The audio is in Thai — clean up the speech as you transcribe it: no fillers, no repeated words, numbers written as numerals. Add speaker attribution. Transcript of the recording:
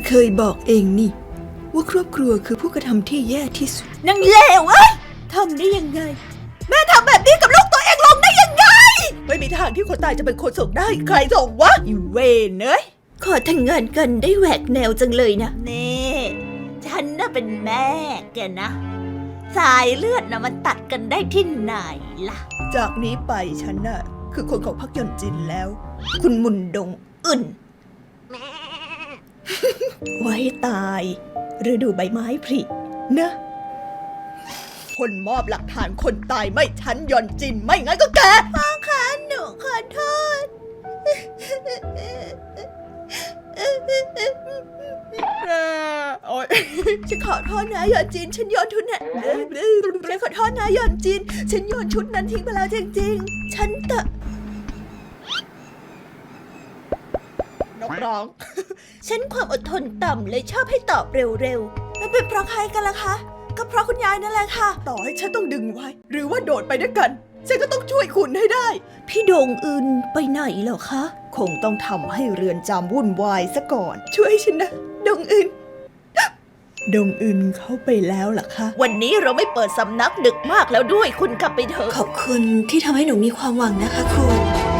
Speaker 1: เคยบอกเองนี่ว่าครอบครัวคือผู้กระทำที่แย่ที่สุด
Speaker 2: นางเลวทำได้ยังไงแม่ทำแบบนี้กับลูกตัวเองลงได้ยังไงไม่มีทางที่คนตายจะเป็นคนส่งได้ใครส่งวะอีเวนเอ้ยขอแต่งงานกันได้แหวกแนวจังเลยนะนี่ฉันน่ะเป็นแม่แกนะสายเลือดน่ะมันตัดกันได้ที่ไหนล่ะจากนี้ไปฉันน่ะคือคนของพรรคยอนจินแล้วคุณมุนดงอึ่นไว้ตายฤดูใบไม้ผลินะคนมอบหลักฐานคนตายไม่ฉันยอนจินไม่งั้นก็แกพ่อคะหนูขอโทษโอ๊ยฉันขอโทษนะยอนจินฉันโยนชุดนั้นฉันขอโทษนะยอนจินฉันโยนชุดนั้นทิ้งไปแล้วจริงๆฉันนกร้อง ฉันความอดทนต่ำเลยชอบให้ตอบเร็วๆมันเป็นเพราะใครกันล่ะคะก็เพราะคุณยายนั่นแหละค่ะต่อให้ฉันต้องดึงไว้หรือว่าโดดไปด้วยกันฉันก็ต้องช่วยคุณให้ได้พี่โดงอึนไปไหนเหรอคะคงต้องทำให้เรือนจำวุ่นวายซะก่อนช่วยฉันนะดงอึนดงอึนเข้าไปแล้วล่ะคะวันนี้เราไม่เปิดสำนักดึกมากแล้วด้วยคุณกลับไปเถอะ
Speaker 1: ขอบคุณที่ทำให้หนูมีความหวังนะคะคุณ